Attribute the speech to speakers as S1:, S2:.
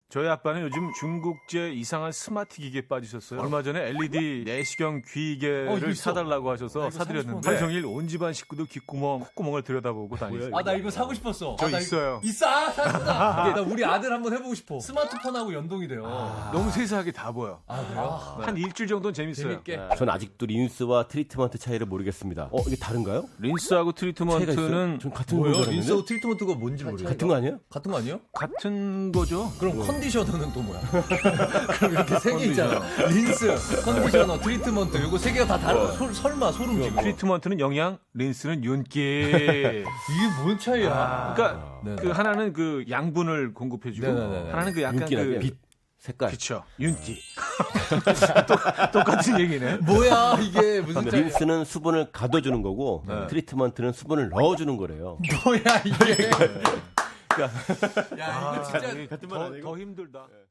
S1: 저희 아빠는 요즘 중국제 이상한 스마트 기기에 빠지셨어요. 얼마 전에 LED 내시경 귀이개를 사달라고 하셔서 사드렸는데 하루 종일 온 집안 식구도 귓구멍, 콧구멍을 들여다보고 다니세요.
S2: 아, 나 이거 사고 싶었어.
S1: 저
S2: 나
S1: 있어요.
S2: 있어? 샀구나. 나 우리 아들 한번 해보고 싶어. 스마트폰하고 연동이 돼요.
S1: 너무 세세하게 다 보여.
S2: 아, 그래요?
S1: 한 일주일 정도는 재밌어요.
S2: 재밌게.
S3: 전 아직도 린스와 트리트먼트 차이를 모르겠습니다. 이게 다른가요?
S1: 린스하고 트리트먼트는
S3: 전 같은
S2: 뭐예요?
S3: 거죠.
S2: 린스하고 트리트먼트가 뭔지 모르겠어요.
S3: 같은 거 아니에요?
S2: 같은 거 아니에요?
S1: 같은 거죠.
S2: 그럼 컨디셔너는 또 뭐야? 그럼 이렇게 세 개 있잖아. 린스, 컨디셔너, 트리트먼트. 이거 세 개가 다 다른 설마 소름 끼고.
S1: 트리트먼트는 영양, 린스는 윤기.
S2: 이게 뭔 차이야?
S1: 그러니까
S2: 네네.
S1: 그 하나는 그 양분을 공급해주고
S2: 네네네.
S1: 하나는 그 약간
S3: 윤기라면
S1: 그
S3: 빛, 색깔.
S1: 그쵸 윤기. 똑같은 얘기네.
S2: 뭐야 이게 무슨 차이야?
S3: 린스는 수분을 가둬주는 거고 트리트먼트는 수분을 넣어주는 거래요.
S2: 뭐야 이게? 야 이거 진짜
S1: 더 힘들다.